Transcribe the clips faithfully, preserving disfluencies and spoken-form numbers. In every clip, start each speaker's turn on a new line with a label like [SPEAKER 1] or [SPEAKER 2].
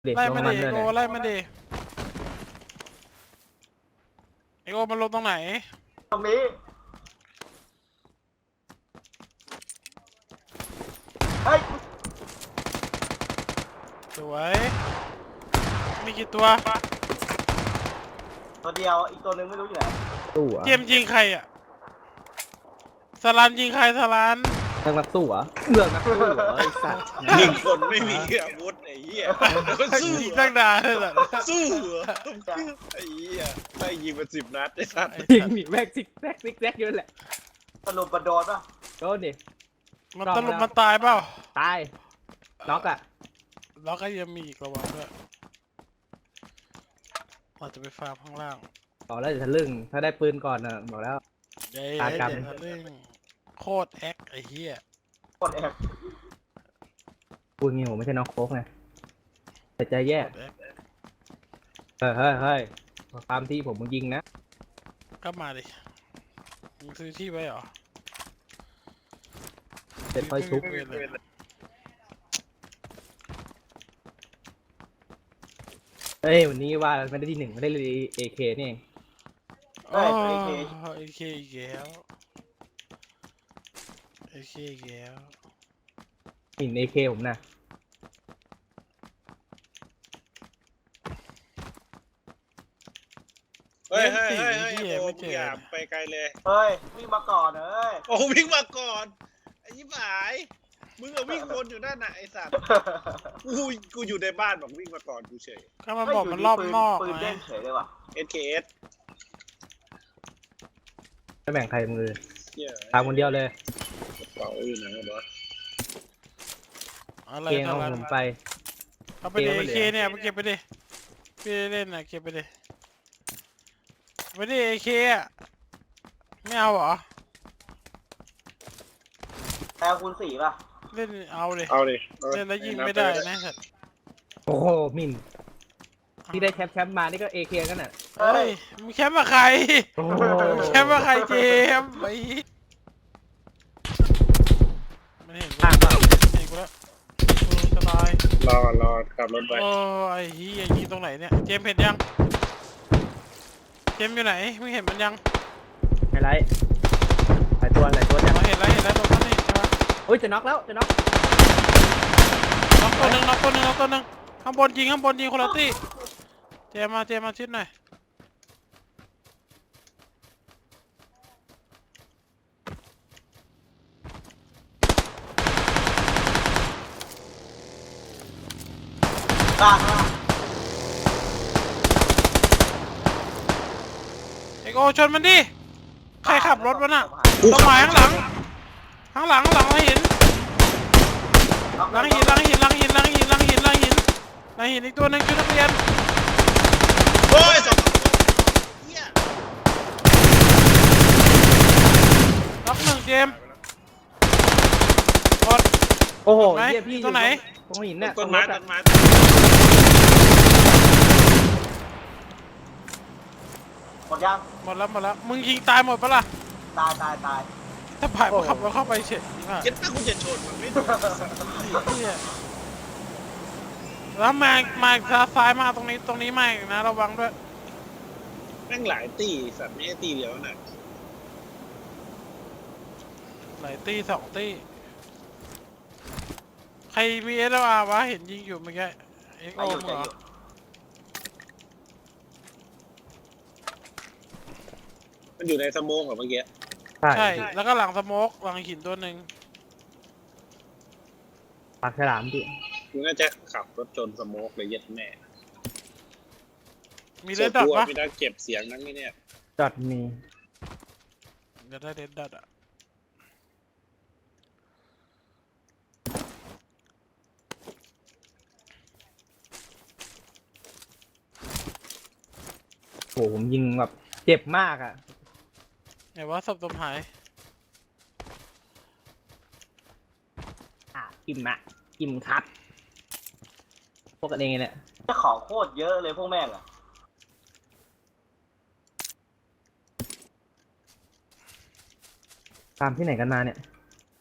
[SPEAKER 1] เด็ก
[SPEAKER 2] ไล่
[SPEAKER 1] ลง
[SPEAKER 2] มา
[SPEAKER 1] มั
[SPEAKER 2] ดิ
[SPEAKER 1] นเลย
[SPEAKER 2] โอ
[SPEAKER 1] เนี่ย
[SPEAKER 2] ไล่มาดิไอโอมันลงตรงไหน
[SPEAKER 3] ตรงนี้เฮ้ย
[SPEAKER 2] สวยมีกี่ตัว
[SPEAKER 3] ตัวเดียวอีกตัวหนึงไม่รู้อยู่ไหน
[SPEAKER 1] สู้เหรอ่ะ
[SPEAKER 2] เจมส์ยิงใครอ่ะสลันยิงใครสลัน
[SPEAKER 1] เรื่องนักสู้เหรอ่ะเรื่องนักสู้เหรอไอ้สัตว์
[SPEAKER 4] ยิงคนไม่มีอาวุธไอ้เหี้ยก็สู้
[SPEAKER 2] ยิง
[SPEAKER 4] เหร
[SPEAKER 2] ตั้
[SPEAKER 4] อง
[SPEAKER 2] นานเลยเหรอ
[SPEAKER 4] สู้เหรอไอ้เหี้ยไล่ยิงมาสิบนัดไอ้สัตว์
[SPEAKER 1] ยิงหนีแม็กซิกแม็กซิกแซกอยู่นั่นแหละ
[SPEAKER 3] สรุปมันโดนป่ะ
[SPEAKER 1] โดนดิ
[SPEAKER 2] มันตลุมมันตายเปล่า
[SPEAKER 1] ตายน็อกอ่ะ
[SPEAKER 2] แล้วก็ยังมีอีกระวังด้วยเราจะไปฟาร์มข้างล่าง
[SPEAKER 1] บอกแล้วจะทะลึ่งถ้าได้ปืนก่อนน่ะบอกแล้ว
[SPEAKER 2] เย้
[SPEAKER 1] ตา
[SPEAKER 2] เย้
[SPEAKER 1] กรรม
[SPEAKER 2] เดี๋ยวทะลึ่งโคตรแอคไอ้เหี้ย
[SPEAKER 3] กดแอบ
[SPEAKER 1] พูดงี้ผมไม่ใช่น้องโค้กไงแต่ใจแย่
[SPEAKER 2] โคตรแอค
[SPEAKER 1] เฮ้ยเฮ้ยเฮ้ยตามที่ผมมึงยิงนะ
[SPEAKER 2] ก็มาดิมึงซื้อที่ไว้เหรอ
[SPEAKER 1] เสร็จค่อยชุบ
[SPEAKER 2] ไม่มีเวรเลย
[SPEAKER 1] เอ้ยวันนี้ว่าไม่ได้ที่หนึ่งไม่ได้เลยเอเคนี่เอง
[SPEAKER 2] โอ้เอเคอีกแล้วเอเคอีกแล้ว
[SPEAKER 1] หินเอเคผมนะ
[SPEAKER 4] เฮ้ยเฮ้ยเฮ้ยเฮ้ยโอ้มึงอย่าไปไกลเลย
[SPEAKER 3] เฮ้ยวิ่งมาก่อนเอ้ย
[SPEAKER 4] โอ้วิ่งมาก่อนไอ้ยิบหายมึงอะวิ่งวนอยู่นั่นน่ะไอ้สัตว์กูกูอยู่ในบ้านบอกวิ่งมาก่อนกูเฉย
[SPEAKER 2] ก็มันบอกมันรอบนอก
[SPEAKER 3] ปืน
[SPEAKER 2] ไง
[SPEAKER 3] เด้งเฉยเลยว่ะ
[SPEAKER 4] เอสเคเอส
[SPEAKER 1] ไม่แบ่งใครมือ
[SPEAKER 4] เหี้ย
[SPEAKER 1] ทำคนเดียวเลย
[SPEAKER 4] กระเป๋าอยู่ไหนวะ
[SPEAKER 2] อะไร
[SPEAKER 1] เกง
[SPEAKER 2] ทำ
[SPEAKER 1] เอา
[SPEAKER 2] อะไร
[SPEAKER 1] ผมไป
[SPEAKER 2] เอาไปดิ
[SPEAKER 1] เกมมัน
[SPEAKER 2] เอ
[SPEAKER 1] เหลือ
[SPEAKER 2] เคเนี่ยไปเก็บไปดิพี่เล่นนะเก็บไปดิไปดิเอเคอะไม่เอาเหรอ
[SPEAKER 3] แอลคูณสี่ป่ะ
[SPEAKER 2] เล่นเอาดิ
[SPEAKER 4] เอาดิ
[SPEAKER 2] เล่นแล้วยิงไม่ได้นะสัตว์
[SPEAKER 1] โอ้โหมินที่ได้แชมป์แชมป์มานี่ก็เอเคกันน่ะ
[SPEAKER 2] เฮ้ยมึงแคมป์มาใคร
[SPEAKER 1] โอ้โห
[SPEAKER 2] มึงแคมป์มาใครเจมส์ไอ้มันเห็นกู
[SPEAKER 1] ต่างเปล่า
[SPEAKER 2] เห็นกูแล้วกูจะตาย
[SPEAKER 4] รอรอขับรถไป
[SPEAKER 2] โอ้ไอ้เฮียยิงตรงไหนเนี่ยเจมส์เห็นยังเจมส์อยู่ไหนมึงเห็นมันยัง
[SPEAKER 1] ไฮไลท์หลายตัวหลายตัวจัง
[SPEAKER 2] มาเห็นแล้วเห็นแล้วตรงนั้นนี่ใช่ปะ
[SPEAKER 1] โอ้ยจะน็อกแล้วจะน็อก
[SPEAKER 2] น็อกตัวหนึ่งน็อกตัวหนึ่งน็อกตัวหนึ่งข้างบนยิงข้างบนยิงคนละตี้เจมส์มาเจมส์มาชิดหน่อย
[SPEAKER 3] ล่างล่าง
[SPEAKER 2] เอกโอชนมันดิใครขับรถวะน่ะต้นไม้ข้างหลังข้างหลังข้างหลังหลังหินหลังหินหลังหินหลังหินหลังหินหลังหินหลังหินหลังหินอีกตัวหนึ่งชุดนักเรียน
[SPEAKER 4] โอ้ยสองเหี้ย
[SPEAKER 2] ล็อกหนึ่งเจมส์กด
[SPEAKER 1] โอ้โห
[SPEAKER 2] ไหน
[SPEAKER 1] เหี้ยพี่
[SPEAKER 2] ตัวไหน
[SPEAKER 1] ตรงหินน่ะ
[SPEAKER 4] ต้นไม้
[SPEAKER 1] ตรงรถ
[SPEAKER 4] ต้
[SPEAKER 1] อะ
[SPEAKER 4] นไม้
[SPEAKER 3] หมดยัง
[SPEAKER 2] หมดแล้วหมดแล้วมึงยิงตายหมดปะล่ะ
[SPEAKER 3] ตายตายตาย
[SPEAKER 2] ถ้าผ่านมาขับรถเข้าไปเฉยอ่ะ
[SPEAKER 4] เจ็ดถ้ากูจะชนมันไม่ถูก
[SPEAKER 2] ไอ้เหี้ยแล้วมามาซ้ายมาตรงนี้ตรงนี้มาอีกนะระวังด้วย
[SPEAKER 4] แม่งหลายตีสัตว์ไม่ใช่ตีเดียวน่ะ
[SPEAKER 2] หลายตี้สองตี้ใครมีเอสอาร์วะเห็นยิงอยู่เมื่อกี้เอ็ก
[SPEAKER 3] ใจ
[SPEAKER 2] โอ
[SPEAKER 3] อยู่
[SPEAKER 2] ม
[SPEAKER 3] ใจ
[SPEAKER 2] เหร
[SPEAKER 3] อ
[SPEAKER 2] อยู่
[SPEAKER 4] มันอยู่ในสโมองเหรอเมื่อกี้
[SPEAKER 1] ใช่
[SPEAKER 2] ใช่แล้วก็หลังสโมกหลังหินตัวหนึ่ง
[SPEAKER 1] ปากฉลามดิ
[SPEAKER 4] กูน่าจะขับรถชนสโมกเลยเย็ดแม่
[SPEAKER 2] มีเลดดอท
[SPEAKER 4] ส่วนกู
[SPEAKER 2] ปะ
[SPEAKER 4] ไม่ได้เก็บเสียงนั่นนี่เนี่ย
[SPEAKER 1] จอดมี
[SPEAKER 2] จะได้เลดดอทอ่ะ
[SPEAKER 1] โอ้โหผมยิงแบบเจ็บมากอ่ะ
[SPEAKER 2] ไหนว่าศพตมหาย
[SPEAKER 1] อ่ะกิมอะกิมครับพวกกันเองเนี่ย
[SPEAKER 3] เจ้าของโคตรเยอะเลยพวกแม่งอะ
[SPEAKER 1] ตามที่ไหนกันมาเนี่ย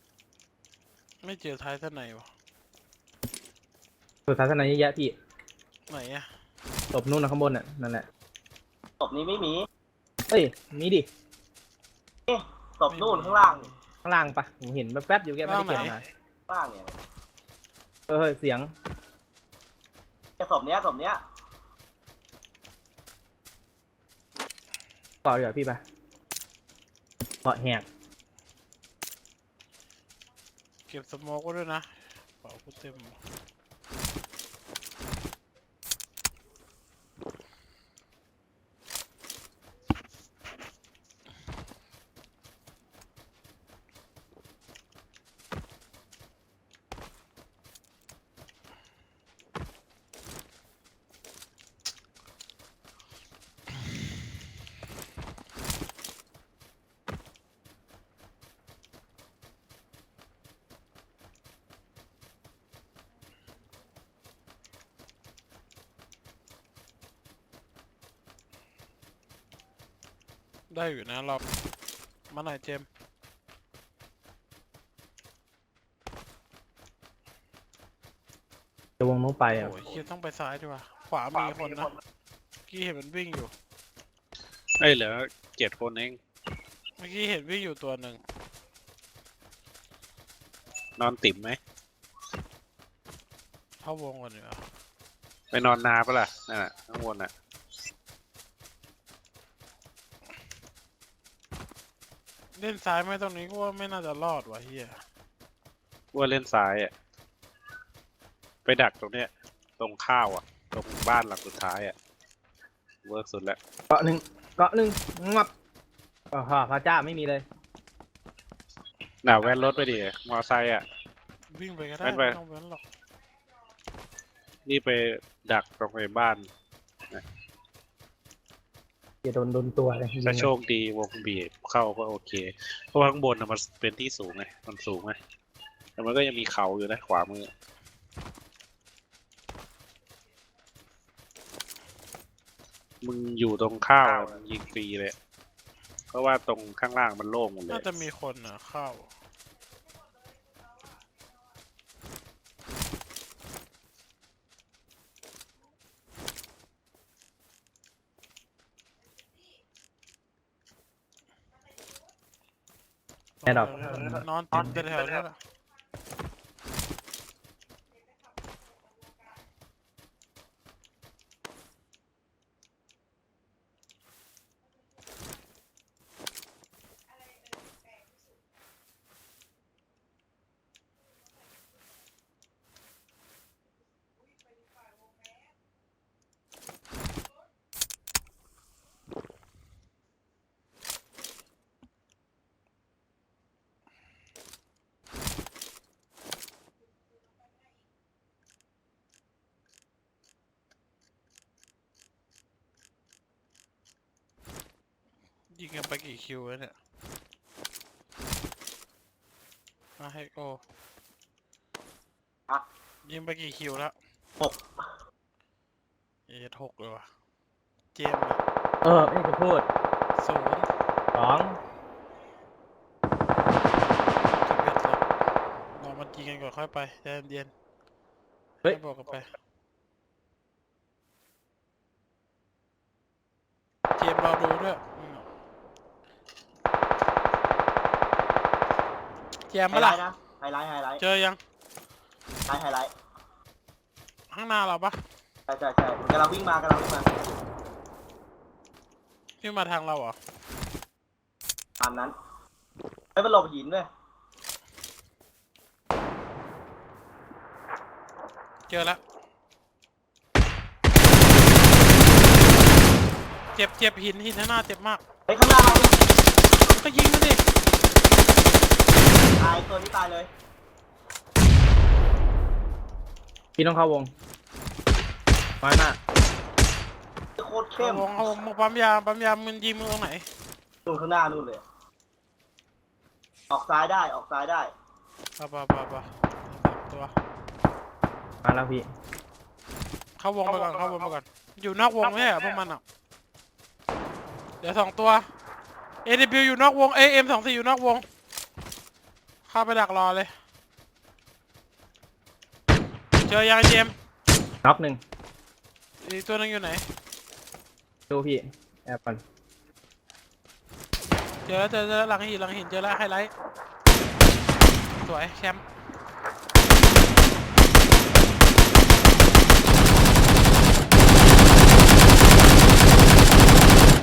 [SPEAKER 2] ไม่เจอท้ายท่านไหนวะ
[SPEAKER 1] ตัวศาสนาเยอะแยะพี่
[SPEAKER 2] ไหนอะ
[SPEAKER 1] ศพนู่นนะข้างบนน่ะนั่นแหละ
[SPEAKER 3] ศพนี้ไม่มี
[SPEAKER 1] เอ้ยมีดิ
[SPEAKER 3] ศพนู่นข้างล่างนี่
[SPEAKER 1] ข้างล่างปะผมเห็นแป๊บๆอยู่แกไม่ได้เก็บมา
[SPEAKER 3] ข้างล่างเนี่ย
[SPEAKER 1] เออเฮ้ยเสียง
[SPEAKER 3] แค่ศพเนี้ยศพเนี้ย
[SPEAKER 1] ต่อดีกว่าพี่ปะต่อแหก
[SPEAKER 2] เก็บสโมกไว้ด้วยนะเป่ากูเต็ม ได้อยู่นะรอบมาหน่อยเจมส์
[SPEAKER 1] จะวงนู้นไปอ่ะ
[SPEAKER 2] โอ้ยเฮียต้องไปซ้ายดีกว่าขวามีคนนะเมื่อกี้เห็นมันวิ่งอยู่
[SPEAKER 5] เอ้ยเหลือเจ็ดคนเอง
[SPEAKER 2] เมื่อกี้เห็นวิ่งอยู่ตัวหนึ่ง
[SPEAKER 5] นอนติ่มไหม
[SPEAKER 2] เข้าวงก่อนดีกว่า
[SPEAKER 5] ไปนอนนาปะล่ะนั่นน่ะข้างบนน่ะ
[SPEAKER 2] เล่นซ้ายไหมตรงนี้ก็ว่าไม่น่าจะรอดว่ะเฮีย
[SPEAKER 5] ว่าเล่นซ้ายอ่ะไปดักตรงเนี้ยตรงข้าวอ่ะตรงบ้านหลังสุดท้ายอ่ะเวิร์กสุดแล้ว
[SPEAKER 1] เกาะหนึ่งเกาะหนึ่งงับอ๋อพระเจ้าไม่มีเลย
[SPEAKER 5] น่าแว่นรถไปดิมอไซค์อ่ะ
[SPEAKER 2] วิ่งไปก็ได้
[SPEAKER 5] ไม่ไป
[SPEAKER 2] ไม่ต้องเว้นหรอก
[SPEAKER 5] นี่ไปดักตรงไอ้บ้าน
[SPEAKER 1] จะโดนโดนตัวเลย
[SPEAKER 5] ถ้าโชคดีวงบีบเข้าก็โอเค เพราะว่าข้างบนน่ะมันเป็นที่สูงไงมันสูงไงแต่มันก็ยังมีเขาอยู่นะขวามือมึงอยู่ตรงข้าวอะมึงยิงฟรีเลย เพราะว่าตรงข้างล่างมันโล่งหมดเล
[SPEAKER 2] น่าย จะมีคนอ่ะเข้า
[SPEAKER 1] แอร์ดรอป
[SPEAKER 2] นอนติดแถวๆนี้แหละ ยิงกันไปกี่คิวแล้วเนี่ยมาให้โอ
[SPEAKER 3] อะ
[SPEAKER 2] ยิงไปกี่คิวแล้ว
[SPEAKER 3] หก
[SPEAKER 2] เอ็ดหกเลยว่ะเจมส์อะ
[SPEAKER 1] เออไม่จะพูด
[SPEAKER 2] ศูนย์
[SPEAKER 1] สอง
[SPEAKER 2] สิบเอ็ดเลยเรามายิงกันก่อนค่อยไปใจเย็นๆให้บอกกันไปเจมส์เราดูด้วยอืมแจม
[SPEAKER 3] ไฮ
[SPEAKER 2] ปะ
[SPEAKER 3] ไล
[SPEAKER 2] ล่ะ
[SPEAKER 3] ท์นะไฮไลท์ไฮไลท์
[SPEAKER 2] เจอยัง
[SPEAKER 3] ไฮไลท์
[SPEAKER 2] ข้างหน้าเราปะ
[SPEAKER 3] ใช่ใช่ใช่กำลังวิ่งมากำลังวิ่งมา
[SPEAKER 2] ที่มาทางเราเหรอ
[SPEAKER 3] ตามนั้นไม่เป็นหลบหินด้วย
[SPEAKER 2] เจอแล้วเจ็บเจ็บหินหินข้างหน้าเจ็บมาก
[SPEAKER 3] เฮ้ยข้างหน้าเรา
[SPEAKER 2] ก็ยิงมันดิ
[SPEAKER 3] ตายตัวนี้ตายเลย
[SPEAKER 1] พี่ต้องเข้าวงมาหน้า
[SPEAKER 3] โคตร
[SPEAKER 2] เอา
[SPEAKER 3] เข้ม
[SPEAKER 2] วงเอาวงมาปั๊มยาปั๊มยามึงยิงมึงตรงไหน
[SPEAKER 3] ดูข้างหน้านู่นเลย ออกซ้ายได้ออกซ้ายได้
[SPEAKER 2] ปะปะปะปะตัว
[SPEAKER 1] มาแล้วพี่
[SPEAKER 2] เข้าวงไปก่อนเข้าวงไปก่อนอยู่นอกวงไม่ใช่เหรอพวกมันอ่ะเดี๋ยวสองตัว เอ ดับเบิลยู อยู่นอกวง เอ เอ็ม สองสี่อยู่นอกวงเข้าไปดักรอเลยเจอยังไอ้เจมส์
[SPEAKER 1] น็อกหนึ่ง
[SPEAKER 2] อีกตัวนึงอยู่ไหน
[SPEAKER 1] ดูพี่แอบก่อน
[SPEAKER 2] เจอแล้วเจอเจอแล้วหลังหินหลังหินเจอแล้วไฮไลท์สวยแชมป์